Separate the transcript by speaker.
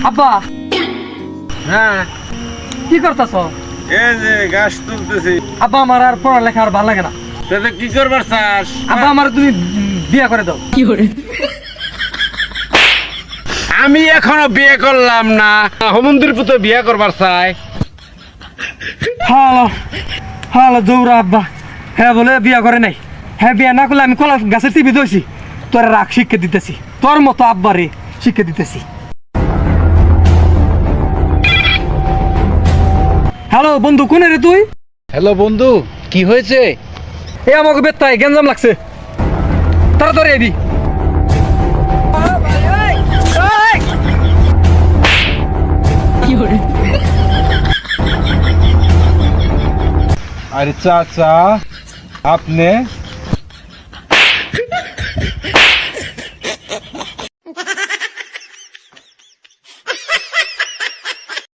Speaker 1: আব্বা
Speaker 2: হ্যাঁ
Speaker 1: কি করতেছ?
Speaker 2: এই যে গাছ তুলতেছি।
Speaker 1: আব্বা আমার আর পড়ালেখা আর ভালো লাগে না।
Speaker 2: তাতে কি করবার চাস?
Speaker 1: আব্বা আমার তুমি বিয়ে করে দাও।
Speaker 2: আমি এখনো বিয়ে করলাম না, হোমন্দির পুতো বিয়ে করবার চাই।
Speaker 1: হ্যালো হ্যালো দৌড়া আব্বা। হ্যাঁ বলে বিয়ে করে নাই। হ্যাঁ বিয়ে না করলে আমি কলা গাছের টিভি দইছি। তোর রাগ শিক্ষা দিতেছি, তোর মতো আব্বারে শিক্ষা দিতেছি। হ্যালো বন্ধু, কোনে রে তুই?
Speaker 2: হ্যালো বন্ধু, কি হয়েছে?
Speaker 1: এ আমাকে বেত্তায় গেঞ্জাম লাগছে, তাড়াতাড়ি আবি।
Speaker 2: আরে চাচা, আপনি